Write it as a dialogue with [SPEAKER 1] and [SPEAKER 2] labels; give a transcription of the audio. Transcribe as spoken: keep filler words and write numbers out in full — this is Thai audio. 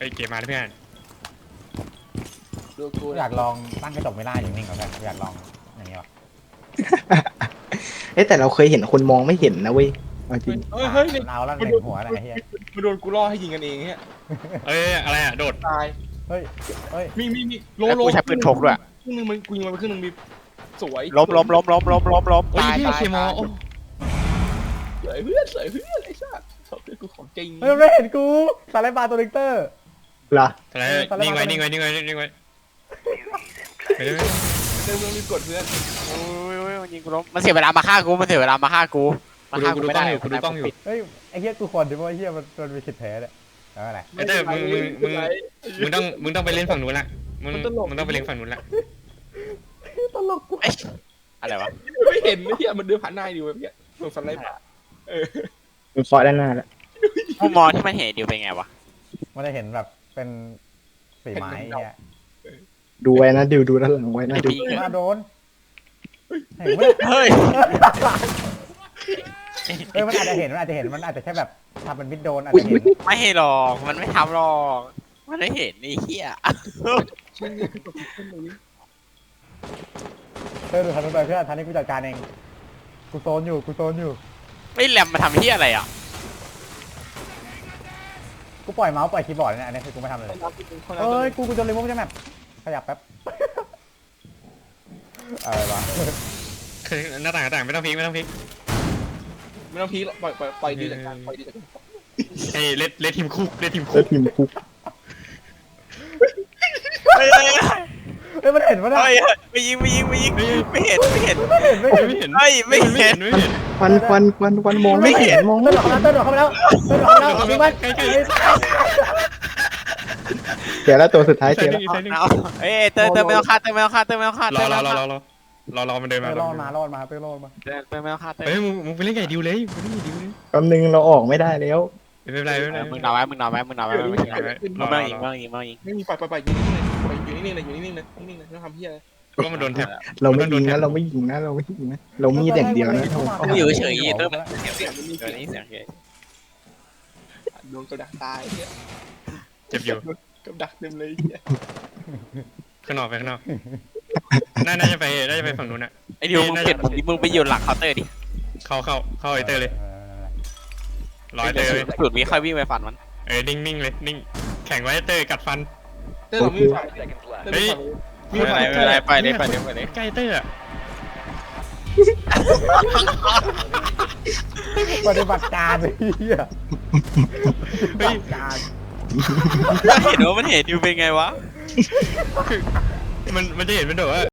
[SPEAKER 1] ไปเก็บมาเพื่อน
[SPEAKER 2] ดูกู
[SPEAKER 3] อยากลองตั้งกระจกไม่ได้อย่างนิ่งกับแฟนอยากลองอย่างนี้วะ
[SPEAKER 4] เอ้แต่เราเคยเห็นคนมองไม่เห็นนะเว้ยเอาจริง
[SPEAKER 2] เฮ้ยเฮ้ย
[SPEAKER 3] เอาแล้วหนึ่งหัวอะไรเฮีย
[SPEAKER 2] มาโดนกูล่อให้ยิงกันเองเนี่ย
[SPEAKER 1] เอ้ยอะไรอ่ะโดด
[SPEAKER 2] ตาย
[SPEAKER 3] เฮ้ยเฮ้ย
[SPEAKER 2] มีมีมีโล
[SPEAKER 5] แล้ว
[SPEAKER 2] โล
[SPEAKER 5] กูใช้ปืนพกด้วย
[SPEAKER 2] ครึ่งนึงมันกูยิงมันไปครึ่งนึงมีสวย
[SPEAKER 5] ล้มล้มล้มล้มล้มล้มล้ม
[SPEAKER 1] โอ้ย
[SPEAKER 5] ตาย
[SPEAKER 1] พี่
[SPEAKER 5] ตาย
[SPEAKER 1] เคมอโอ้
[SPEAKER 2] สวยเพื่อนสวยเพื่อนไอ้สัสชอบเพื่อนกูของจริง
[SPEAKER 3] เฮ้ยไม่เห็นกูสไลด์บาร์ตัวลิกเตอร์
[SPEAKER 4] เหรอ
[SPEAKER 1] อะไรนิ่งไว้นิ่งไว้นิ่งไว้นิ่งไว้ไปเลย
[SPEAKER 2] เติมเรื่องรีบกดเพื่อน
[SPEAKER 5] โอ้ยโอ้ยมันยิงกูล้มมันเสียเวลามาฆ่ากูมันเสียเวลามาฆ่ากูมาฆ่ากูไม่ได้
[SPEAKER 1] กูดูกล้องอยู่
[SPEAKER 3] เฮ้ยไอ้เฮียกูคนดิว่าไอ้เฮียมันมันมีสิทธิ์แพ้เนี่ยแล้วอะไร
[SPEAKER 1] ไอ้เต้มึงมึงมึงมึงต้องมึงต้องไปเล่นฝั่งนู้นละมึงมึงต้องไปเล่นฝั่งนู้นละ
[SPEAKER 3] ตลกกู
[SPEAKER 5] เอ้ยอะไรวะ
[SPEAKER 2] ไม่เห็นไม่เห็นมันเดินผ่านหน้าอยู่แบบเนี้ยตรงสไลด์ผ่าเออ
[SPEAKER 4] มันฟอสด้านหน้าแล้ว
[SPEAKER 5] มุมมองที่มันเห็นดิวเป็นไงวะ
[SPEAKER 3] มันจะเห็นแบบเป็นสีไม้เนี่ย
[SPEAKER 4] ดูไว้นะดิวดูด้านหลังไว้นะดิว
[SPEAKER 3] มาโดนเห็นไหม
[SPEAKER 5] เฮ้ย
[SPEAKER 3] เฮ้ยมันอาจจะเห็นมันอาจจะเห็นมันอาจจะแค่แบบทำเป็นมิดโดนอาจจะเห็น
[SPEAKER 5] ไม่เห็นหรอกมันไม่ทำหรอกมันไม่เห็นไอ้เหี้ย
[SPEAKER 2] เช่นนี้กดขึ้นตรงนี้
[SPEAKER 3] เธอดูทันไปเพื่อนทันนี้กูจัดการเองกูโซนอยู่กูโซนอยู่
[SPEAKER 5] ไม่แหลมมาทำเหี้ยอะไรอ่ะ
[SPEAKER 3] กูปล่อยเมาส์ปล่อยคีย์บอร์ดเนี่ยอันนี้คือกูไม่ทำเลยเอ้ยกูกูจะรีโมทจะแมปขยับแป๊บอะไรวะ
[SPEAKER 1] หน้าต่างหน้าต่างไม่ต้องพลิกไม่ต้องพลิก
[SPEAKER 2] ไม่ต้องพีคปล่อยปล่อยปล่อยดีจากการปล่อยดีจากการ
[SPEAKER 1] เฮ้ยเล่นเล่นทีมคุกเล่นทีมคุ
[SPEAKER 4] แล้
[SPEAKER 1] ก
[SPEAKER 4] วทีมคุก
[SPEAKER 5] เฮ้ยเฮ้ย
[SPEAKER 3] เฮ้ยมันเห็นปะเนี่ย
[SPEAKER 5] เฮ้ยไม่ยิงไม่ยิงไม่ยิงไม่เห็นไม่เห็น
[SPEAKER 3] ไม่เห็นไม่เห็น
[SPEAKER 1] ไม่เห็น
[SPEAKER 5] เฮ้ยไม่เห็น
[SPEAKER 1] ไม่เห็น
[SPEAKER 4] ควันควันควันควันมองไม่เห็นมอง
[SPEAKER 3] เต้
[SPEAKER 4] ไม่
[SPEAKER 3] นหลอก
[SPEAKER 4] เห็น
[SPEAKER 3] แล้วเต้นหลอกเข้าไปแล้วเต้นหลอกเข้าไปแล้วยิงมัน
[SPEAKER 1] ใกล้ใกล้
[SPEAKER 4] เดี๋ยวแล้วตัวสุดท้ายเจอแล้ว
[SPEAKER 5] เอาเอ้ยเติมเติมไม่ต้องฆ่าเติมไม่ต้องฆ่าเติมไม่ต้องฆ่าร
[SPEAKER 1] อ
[SPEAKER 5] เติม
[SPEAKER 1] ร
[SPEAKER 5] ไม่
[SPEAKER 1] อ
[SPEAKER 5] ต้อง
[SPEAKER 1] รอ
[SPEAKER 5] ฆ่าร
[SPEAKER 1] อรอรอมันเดินมา
[SPEAKER 3] เต้นรอดมารอดมาเต้นรอดมา
[SPEAKER 5] เติมเติมไม่ต้องฆ่าเติม
[SPEAKER 1] เฮ้ยมึงมึงไปเล่นไก่ดิวเลยมึงเล่นไก่ดิวเลย
[SPEAKER 4] แป๊บนึงเราออกไม่ได้แล้ว
[SPEAKER 1] ไม่เป็นไรไม่เป็นไร
[SPEAKER 5] มึงนอนไว้มึงนอนไว้มึงนอนไว้มึงนอนไว้มึงไม่ยิงไม่ยิงไม่ยิง
[SPEAKER 2] ไม่มีปล่อยปล่อยปล่อยอยู่นิ่งๆเลยอยู่นิ่งๆเลยอยู่นิ่งๆเลยนิ่งๆเลยไม่ต้องทำเหี้ยเลย
[SPEAKER 1] ก็มันโดนแท็บ
[SPEAKER 4] เราไม่ยิงนะเราไม่ยิงนะเราไม่ยิงนะเรามีดอย่างเดียวนะ
[SPEAKER 5] มึงอยู่เฉยๆเติมเสียงเสียงเดี๋ยวนี้เสียงเฉย
[SPEAKER 2] โดนกระดักตายเนี่ย
[SPEAKER 1] เจ็บอยู่
[SPEAKER 2] กระดักเต็มเลยเนี่ย
[SPEAKER 1] ข้างนอกไปข้างนอกน่าน่าจะไปน่าจะไปฝั่งนู้นอ่ะ
[SPEAKER 5] ไอ้ดิวมึงเปลี่ยนมุมดิมึงไปอยู่หลังเคาน์เตอร์ดิ
[SPEAKER 1] เข้าเข้าเข้าไอเตอร์เลยร้อยเตอร์เลย
[SPEAKER 5] สุดมีค่อยวิ่งไปฟันมัน
[SPEAKER 1] เออนิ่งนิ่งเลยนิ่งแข่งไว้เตอร์กัดฟัน
[SPEAKER 2] เต้เราไม่มีไฟเต้เราไม่มีไฟ
[SPEAKER 5] ไม่เป็นไรไม่เป็นไรไปเลยไปเลยไปเลย
[SPEAKER 1] ใกล้เตอร์อะ
[SPEAKER 3] ปฏิบัติการไอ้เหี้ยปฏิบัติการ
[SPEAKER 5] เห็นว่ามันเห็นดิวเป็นไงวะ
[SPEAKER 1] มันมันจะเห็นเป็นแบบว่า